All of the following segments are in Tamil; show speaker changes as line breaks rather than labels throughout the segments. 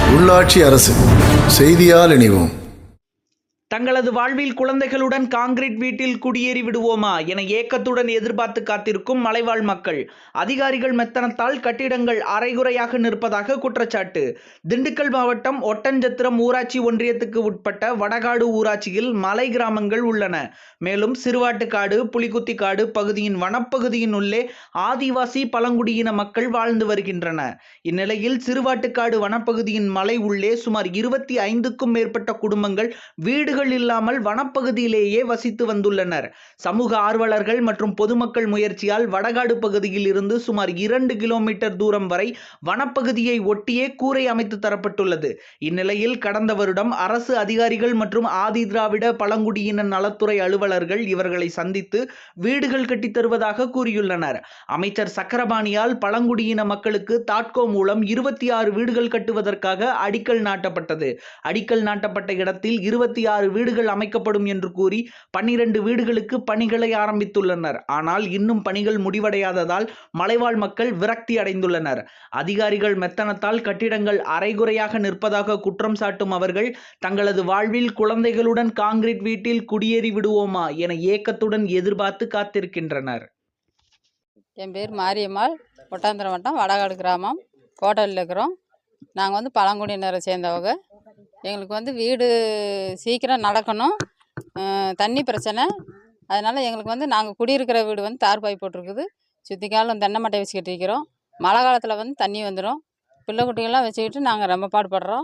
உள்ளாட்சி அரசு செய்தியால் இணைவோம்.
தங்களது வாழ்வில் குழந்தைகளுடன் கான்கிரீட் வீட்டில் குடியேறி விடுவோமா என ஏக்கத்துடன் எதிர்பார்த்து காத்திருக்கும் மலைவாழ் மக்கள். அதிகாரிகள் மெத்தனத்தால் கட்டிடங்கள் அரைகுறையாக நிற்பதாக குற்றச்சாட்டு. திண்டுக்கல் மாவட்டம் ஒட்டன்சத்திரம் ஊராட்சி ஒன்றியத்துக்கு உட்பட்ட வடகாடு ஊராட்சியில் மலை கிராமங்கள் உள்ளன. மேலும் சிறுவாட்டுக்காடு, புலிகுத்திக்காடு பகுதியின் வனப்பகுதியின் உள்ளே ஆதிவாசி பழங்குடியின மக்கள் வாழ்ந்து வருகின்றன. இந்நிலையில் சிறுவாட்டுக்காடு வனப்பகுதியின் மலை உள்ளே சுமார் 25க்கும் மேற்பட்ட குடும்பங்கள் வீடுகள் இல்லாமல் வனப்பகுதியிலேயே வசித்து வந்துள்ளனர். சமூக ஆர்வலர்கள் மற்றும் பொதுமக்கள் முயற்சியால் வடகாடு பகுதியில் இருந்து சுமார் 2 கிலோமீட்டர் தூரம் வரை வனப்பகுதியை ஒட்டியே கூரை அமைத்து தரப்பட்டுள்ளது. இந்நிலையில் கடந்த வருடம் அரசு அதிகாரிகள் மற்றும் ஆதி திராவிட பழங்குடியின நலத்துறை அலுவலர்கள் இவர்களை சந்தித்து வீடுகள் கட்டித் தருவதாக கூறியுள்ளனர். அமைச்சர் சக்கரபாணியால் பழங்குடியின மக்களுக்கு தாட்கோ மூலம் 26 வீடுகள் கட்டுவதற்காக அடிக்கல் நாட்டப்பட்டது. அடிக்கல் நாட்டப்பட்ட இடத்தில் 26 வீடுகள் அமைக்கப்படும் என்று கூறி 12 வீடுகளுக்கு பணிகளை ஆரம்பித்துள்ளனர். ஆனால் இன்னும் பணிகள் முடிவடையாததால் மலைவாழ் மக்கள் விரக்தி அடைந்துள்ளனர். அதிகாரிகள் மெத்தனத்தால் கட்டிடங்கள் அரைகுறையாக நிற்பதாக குற்றம் சாட்டும் அவர்கள் தங்களது வாழ்வில் குழந்தைகளுடன் கான்கிரீட் வீட்டில் குடியேறி விடுவோமா என ஏக்கத்துடன் எதிர்பார்த்து காத்திருக்கின்றனர்.
என் பேர் மாரியம்மாள். ஒட்டாந்திரம் வட்டம் வடகாடு கிராமம் கோட்டலில் இருக்கிறோம். நாங்கள் பழங்குடியினரை சேர்ந்தவங்க. எங்களுக்கு வீடு சீக்கிரம் நடக்கணும். தண்ணி பிரச்சனை. அதனால் எங்களுக்கு நாங்கள் குடியிருக்கிற வீடு தார்பாய் போட்டிருக்குது. சுற்றி காலம் தென்னை மட்டை வச்சு கட்டிக்கிறோம். மழை காலத்தில் தண்ணி வந்துடும். பிள்ளை குட்டிகள்லாம் வச்சுக்கிட்டு நாங்கள் ரொம்ப பாடுபடுறோம்.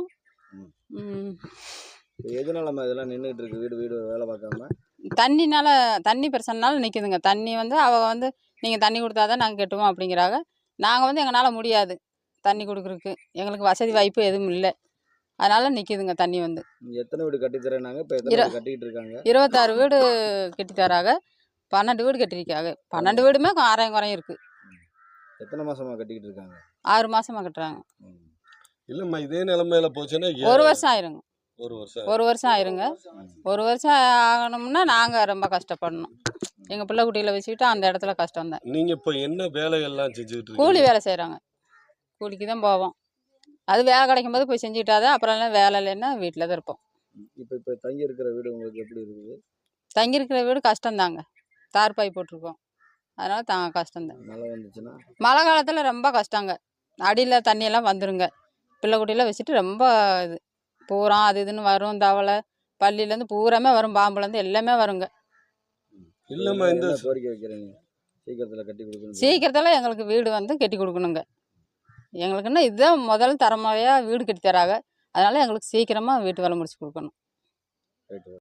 எதனால இதெல்லாம் நின்றுட்டு இருக்கு? வீடு வீடு வேலை பார்க்காம
தண்ணினால, தண்ணி பிரச்சனைனால நிற்குதுங்க. தண்ணி அவங்க நீங்கள் தண்ணி கொடுத்தா தான் நாங்கள் கட்டுவோம் அப்படிங்கிறாங்க. நாங்கள் எங்களால் முடியாது தண்ணி கொடுக்குறதுக்கு. எங்களுக்கு வசதி வாய்ப்பு எதுவும் இல்லை. அதனால் நிற்கிதுங்க தண்ணி.
எத்தனை வீடு கட்டித்தரேனாங்க? இப்போ எத்தனை வீடு கட்டிக்கிட்டு இருக்காங்க?
26 வீடு கட்டித்தராங்க. 12 வீடு கட்டியிருக்காங்க. 12 வீடுமே ஆறாயிரம் குறையும் இருக்குது.
எத்தனை மாசமாக கட்டிக்கிட்டு இருக்காங்க?
6 மாதமாக கட்டுறாங்க.
இல்லைம்மா, இதே நிலைமையில போச்சுன்னா
1 வருஷம் ஆயிருங்க.
1
வருஷம் ஆயிருங்க. 1 வருஷம் ஆகணும்னா நாங்கள் ரொம்ப கஷ்டப்படணும். எங்கள் பிள்ளை குட்டிகளை வச்சுக்கிட்டு அந்த இடத்துல கஷ்டம் தான்.
நீங்கள் இப்போ என்ன வேலைகள்லாம் செஞ்சுக்கிட்டு
கூலி வேலை செய்கிறாங்க. கூலிக்கு தான் போவோம். அது வேலை கிடைக்கும் போது போய் செஞ்சுக்கிட்டாதான். அப்புறம் வேலை இல்லைன்னா வீட்டில் தான் இருப்போம்.
இப்போ தங்கி இருக்கிற வீடு உங்களுக்கு எப்படி இருக்குது?
தங்கியிருக்கிற வீடு கஷ்டம்தாங்க. தார்பாய் போட்டிருக்கோம். அதனால் கஷ்டம்தான்.
மழை வந்துச்சுன்னா
மழை காலத்தில் ரொம்ப கஷ்டங்க. அடியில் தண்ணியெல்லாம் வந்துருங்க. பிள்ளை குட்டியெல்லாம் வச்சுட்டு ரொம்ப இது பூரா அது இதுன்னு வரும். தவளை பள்ளியிலேருந்து பூராமே வரும். பாம்புலேருந்து எல்லாமே வருங்க.
இல்லைம்மா, இந்த
கோரிக்கை வைக்கிறீங்க சீக்கிரத்தில் கட்டி கொடுக்கணும்.
சீக்கிரத்தில் எங்களுக்கு வீடு கட்டி கொடுக்கணுங்க. எங்களுக்குன்னா இதுதான் முதல் தரமுறையாக வீடு கட்டி தராங்க. அதனால் எங்களுக்கு சீக்கிரமாக வீட்டு வேலை முடிச்சு கொடுக்கணும்.